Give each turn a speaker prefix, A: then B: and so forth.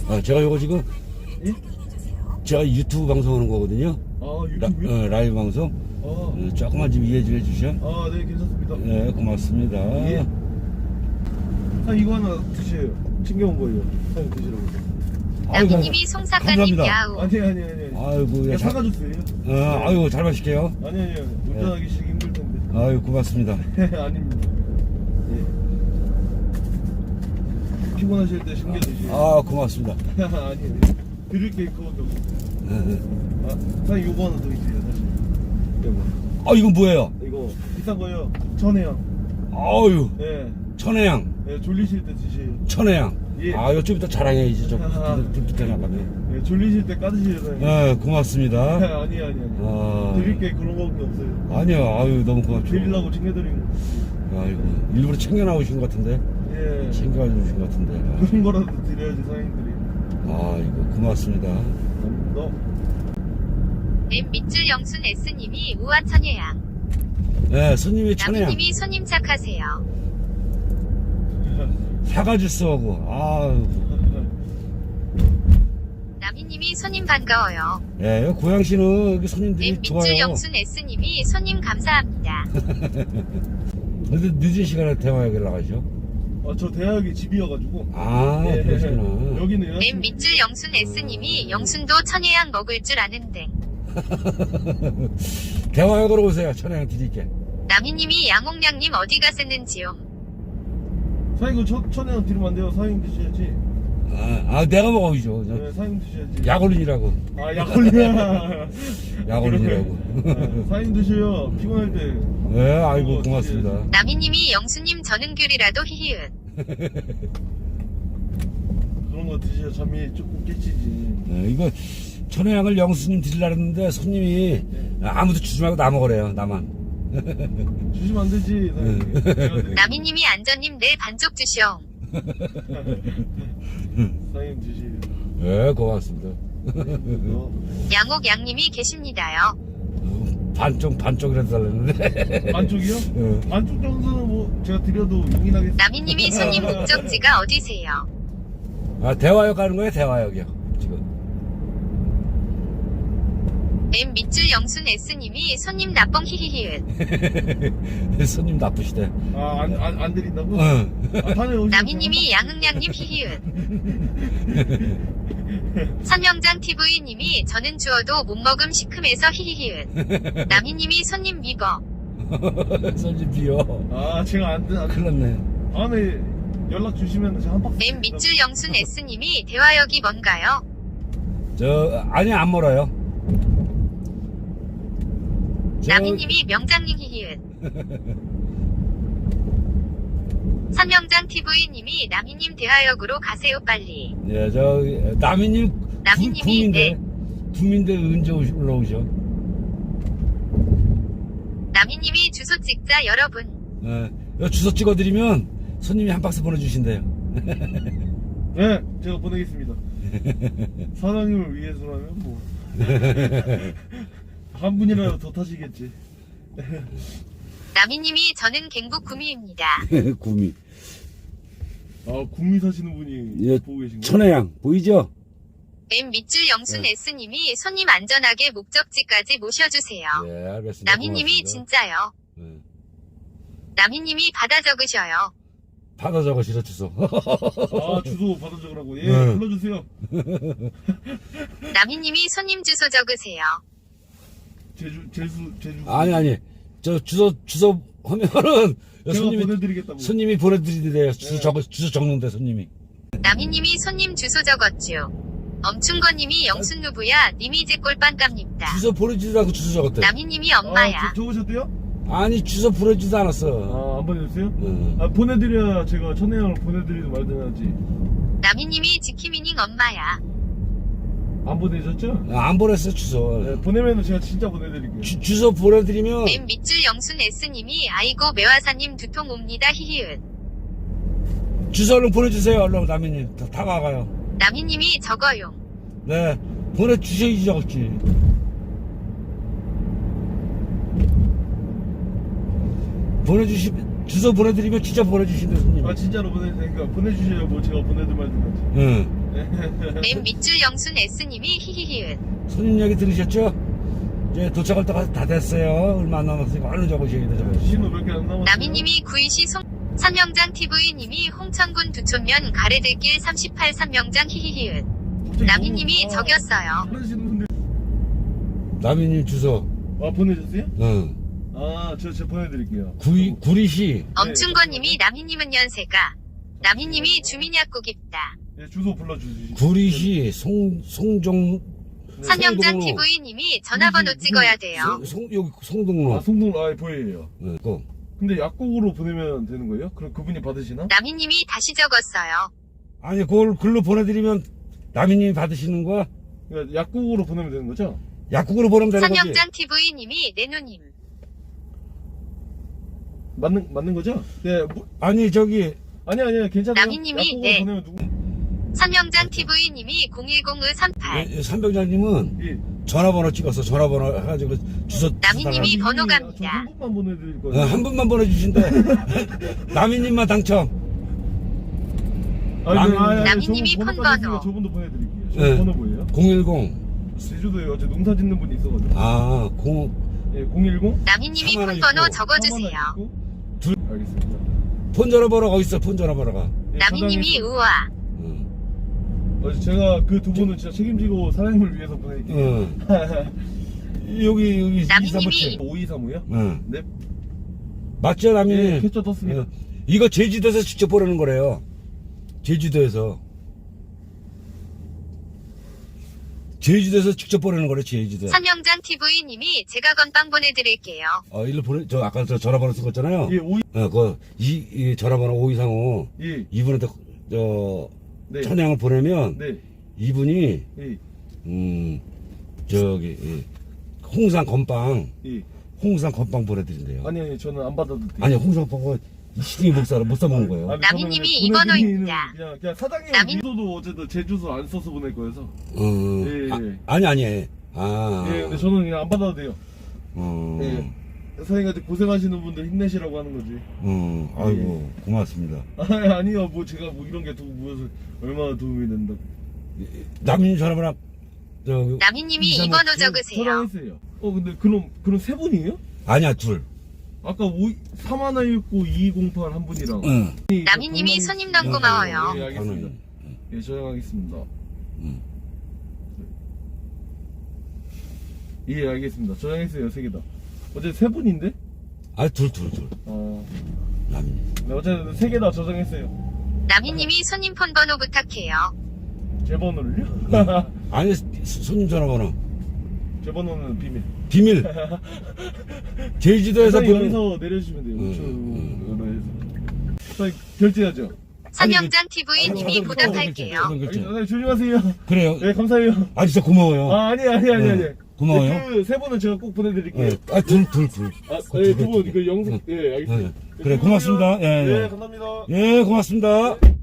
A: 제가 요거 지금
B: 예?
A: 제가 유튜브 방송하는 거거든요.
B: 아, 유튜브요?
A: 라이브 방송. 조금만 좀 이해 좀 해주셔.
B: 아, 네, 괜찮습니다.
A: 네, 고맙습니다.
B: 예. 이거 하나 드세요. 챙겨온 거예요. 사장님 드시라고.
C: 남희님이 송사과님
A: 감사합니다.
C: 야우.
B: 아니.
A: 아이고,
B: 그냥 사가줬어요.
A: 아이고, 잘 마실게요.
B: 아니요. 운전하기 시기 힘들 텐데.
A: 아이고, 고맙습니다.
B: 아닙니다. 예. 피곤하실 때 챙겨 드시요.
A: 아, 고맙습니다.
B: 아니에요. 드릴 게 그거밖에 없어요. 사장님 요거 하나 더 있어요, 사실. 요거.
A: 이건 뭐예요?
B: 이거 비싼 거요. 천혜향.
A: 아유,
B: 예.
A: 천혜향.
B: 예, 졸리실 때 드세요.
A: 천혜향.
B: 예.
A: 요즘 이따 자랑해야지. 좀 불빛에 나가네.
B: 예, 졸리실 때 까드시요, 사장님.
A: 네, 고맙습니다.
B: 아니요. 드릴 게 그런 거밖에 없어요.
A: 아니요, 아유, 너무 고맙죠.
B: 드리려고 챙겨드린 거.
A: 아이고, 일부러 챙겨 나오신 것 같은데.
B: 예.
A: 챙겨주신 것 같은데.
B: 그런 거라도 드려야지, 사장님들이.
A: 아이고, 고맙습니다.
B: 너.
C: M 밑줄 영순 S님이 우아천예양.
A: 네, 손님이 천혜향.
C: 남희님이 손님 착하세요.
A: 사과 주스하고, 아유.
C: 남희님이 손님 반가워요.
A: 예, 고양시는 여기 손님들이
C: M 밑줄
A: 좋아요.
C: 영순 S님이 손님 감사합니다.
A: 근데 늦은 시간에 대화하게 나가죠?
B: 저 대학이 집이어가지고. 예.
A: 그러시구나.
B: 여기는
C: M 밑줄 영순 S님이 영순도 천예양 먹을 줄 아는데.
A: 대화하러 오세요. 천혜향 드릴게.
C: 남희님이 양옥량님 어디 가셨는지요?
B: 사장님 이거 천혜향 드리면 안 돼요. 사장님 드셔야지.
A: 내가 먹어야죠.
B: 네, 사장님 드셔야지.
A: 약올린이라고.
B: 약올리야.
A: 약올린이라고.
B: 사장님 드셔요. 피곤할 때.
A: 네, 아이고, 고맙습니다.
C: 남희님이 영수님 전은귤이라도 히히은.
B: 그런 거 드셔야 잠이 조금 깨지지.
A: 네, 이거 천혜향을 영수님 드리려고 했는데 손님이 아무도 주지 말고 나 먹으래요. 나만.
B: 주시면 안 되지. 사장님. 제가 드릴게요.
C: 남희님이 안전님 내 반쪽 주시오.
B: 사장님 드시요.
A: 네, 고맙습니다.
C: 양옥 양님이 계십니다요.
A: 반쪽이라도 달랬는데.
B: 반쪽이요?
A: 네.
B: 반쪽 정도는 뭐 제가 드려도 용인하겠습니다.
C: 남희님이 손님 목적지가 어디세요?
A: 대화역 가는 거예요, 대화역이요. 지금.
C: M 밑줄 영순 S님이 손님 나뻥 히히히은.
A: 손님 나쁘시대.
B: 안 드린다고? 다음에 오시면
C: 남희님이 양흥양님 히히은. 선영장 TV님이 저는 주어도 못 먹음 시큼해서 히히히은. 남희님이 손님 미버.
A: 손님 비요.
B: 제가 안
A: 큰일 났네.
B: 다음에 연락 주시면 제가 한 박스.
C: M 밑줄 영순 S님이 대화역이 뭔가요?
A: 아니, 안 멀어요.
C: 남희님이 명장님 히히은. 선영장 TV님이 남희님 대화역으로 가세요 빨리.
A: 예, 남희님이
C: 네.
A: 구민대 언제 올라오셔?
C: 남희님이 주소 찍자 여러분.
A: 요 주소 찍어드리면 손님이 한 박스 보내주신대요.
B: 네, 제가 보내겠습니다. 사장님을 위해서라면 뭐. 한 분이라도 더 타시겠지.
C: 남희님이 저는 갱북 구미입니다.
A: 구미.
B: 구미 사시는 분이
A: 예,
B: 보고 계신 거예요?
A: 천혜향 보이죠?
C: M 밑줄 영순 S님이 손님 안전하게 목적지까지 모셔주세요.
A: 네, 알겠습니다.
C: 남희님이
A: 고맙습니다.
C: 진짜요. 남희님이 받아 적으셔요.
A: 받아 적으시라 주소.
B: 주소 받아 적으라고. 예,
A: 네.
B: 불러주세요.
C: 남희님이 손님 주소 적으세요.
B: 제주.
A: 아니. 저 주소 하면은
B: 제가 보내드리겠다고.
A: 손님이 보내드리래요.
B: 네.
A: 주소 적는데 손님이.
C: 남희님이 손님 주소 적었죠. 엄충거님이 영순누부야 님이 제 꼴빵 깝니다.
A: 주소 보내주지도 않고 주소 적었대.
C: 남희님이 엄마야.
B: 적으셨대요?
A: 아니, 주소 보내주지도 않았어.
B: 안 보내주세요? 보내드려야 제가 천혜향을 보내드리든 말든 하지.
C: 남희님이 지키미닝 엄마야.
B: 안 보내셨죠?
A: 안 보냈어, 주소.
B: 네, 보내면은 제가 진짜 보내드릴게요.
A: 주소 보내드리면
C: M 밑줄 영순 S님이 아이고 매화사님 두통 옵니다 히히은.
A: 주소 얼른 보내주세요. 얼른 남희님. 다 가가요.
C: 남희님이 적어요.
A: 네, 보내주셔야지 적었지. 보내주시면 주소 보내드리면 진짜 보내주신대 손님.
B: 아 진짜로 보내니까 보내주셔야 뭐 제가 보내든 말든 하지.
A: 응.
C: 맨 밑줄 영순 S님이 히히히은.
A: 손님 얘기 들으셨죠? 이제 도착할 때가 다 됐어요. 얼마 안 남았으니까 얼른 적으셔야 돼. 적으셔.
B: 신호 몇 개 안 남았어.
C: 남희님이 구이시 산명장 TV님이 홍천군 두촌면 가래들길 38 산명장 히히히은. 남희님이 적였어요.
B: 하시는 분들.
A: 남인님 주소.
B: 아 보내셨어요?
A: 응.
B: 저 보내드릴게요.
A: 구리시.
C: 엄충권님이 남희님은 연세가. 남희님이 주민약국 입다.
B: 예, 주소 불러주시죠.
A: 구리시 송종.
C: 산명장
A: 송동로.
C: TV님이 전화번호 찍어야 돼요.
A: 여기 송동로.
B: 송동 보여요.
A: 네, 꼭.
B: 근데 약국으로 보내면 되는 거예요? 그럼 그분이 받으시나?
C: 남희님이 다시 적었어요.
A: 아니 그걸 글로 보내드리면 남인님이 받으시는 거야?
B: 그러니까 약국으로 보내면 되는 거죠?
A: 약국으로 보내면 되는 거지.
C: 산명장 TV님이 내누님.
B: 맞는 거죠? 네.
A: 아니 저기
B: 아니야 괜찮아요.
C: 남희님이,
B: 약국으로
C: 네.
B: 보내면 누구?
C: 산명장 TV님이 010538.
A: 삼병장님은
B: 예.
A: 전화번호 찍어서 전화번호 해가지고 주소.
C: 남인님이
A: 주소
C: 번호
B: 저
C: 갑니다.
B: 한 분만 보내드릴
A: 달라고.
B: 거예요.
A: 한 분만 보내주신대. 남인님만 당첨.
C: 남희님이 폰 번호.
B: 저분도 보내드릴게요. 저
A: 네.
B: 번호 뭐예요?
A: 010.
B: 제주도에 어제 농사 짓는 분이 있어가지고.
A: 아,
B: 예, 010.
C: 남희님이
A: 삼 하나
C: 폰 번호
A: 있고,
C: 적어주세요.
B: 알겠습니다.
A: 폰 전화번호가 어딨어? 폰 전화번호가.
B: 예,
C: 남희님이
B: 저장해서-
C: 우아.
A: 응.
B: 제가 그 두 분은 진짜 책임지고 사장님을 위해서 보낼게요.
A: 응. 여기
C: 남희님이-
B: 5235요?
A: 응.
B: 네.
A: 맞죠, 남인님?
B: 예, 캡처 떴습니다.
A: 응. 이거 제주도에서 직접 보내는 거래요. 제주도에서. 제주도에서 직접 보내는 거래, 제주도.
C: 산명장 TV님이 제가 건빵 보내드릴게요.
A: 일로 아까 저 전화번호 쓴 거 있잖아요.
B: 예,
A: 이 전화번호 5235.
B: 예.
A: 이분한테,
B: 네.
A: 천양을 보내면,
B: 네.
A: 이분이,
B: 예.
A: 홍상 건빵,
B: 예.
A: 홍상 건빵 보내드린대요.
B: 아니, 저는 안 받아도 돼요.
A: 아니, 홍상 건빵은 시중에 못 사먹는 거예요.
B: 아니,
C: 남희님이
B: 저는 그냥
C: 이번호입니다.
B: 그냥 사장님
C: 남희-
B: 주소도 어제도 제 주소 안 써서 보낼 거여서. 예.
A: 아니.
B: 예, 근데 저는 그냥 안 받아도 돼요. 예. 사장님한테 고생하시는 분들 힘내시라고 하는 거지.
A: 아이고, 고맙습니다.
B: 아니요, 뭐 제가 뭐 이런 게 무슨 얼마나 도움이 된다.
A: 남인 전화번호,
C: 남희님이
A: 이삼오-
C: 이번호 적으세요.
B: 저장했어요. 근데 그럼 세 분이에요?
A: 아니야, 둘.
B: 아까 3119 2208 한 분이랑.
A: 응.
C: 남희님이 손님 너무 고마워요.
B: 예, 알겠습니다. 예, 저장하겠습니다.
A: 응.
B: 예, 알겠습니다. 저장했어요, 세 개다. 어제 세 분인데?
A: 둘. 남인.
B: 네, 어제 세 개 다 저장했어요.
C: 남희님이 손님 폰 번호 부탁해요.
B: 제 번호를요?
A: 아니, 손님 전화번호.
B: 제 번호는 비밀.
A: 비밀. 제주도에서
B: 사장님
A: 보내.
B: 여기서 내려주시면 돼요. 5천으로 해서. 사장님 결제하죠?
C: 산명장 TV님이
A: 자동
C: 부탁할게요.
A: 결제.
B: 사장님 조심하세요.
A: 그래요.
B: 네, 감사해요.
A: 진짜 고마워요.
B: 아니.
A: 고마워요.
B: 네, 그 세 분은 제가 꼭 보내드릴게요.
A: 둘.
B: 두 분, 그 영상, 예, 알겠습니다.
A: 그래, 고맙습니다. 예.
B: 네, 감사합니다.
A: 예, 고맙습니다.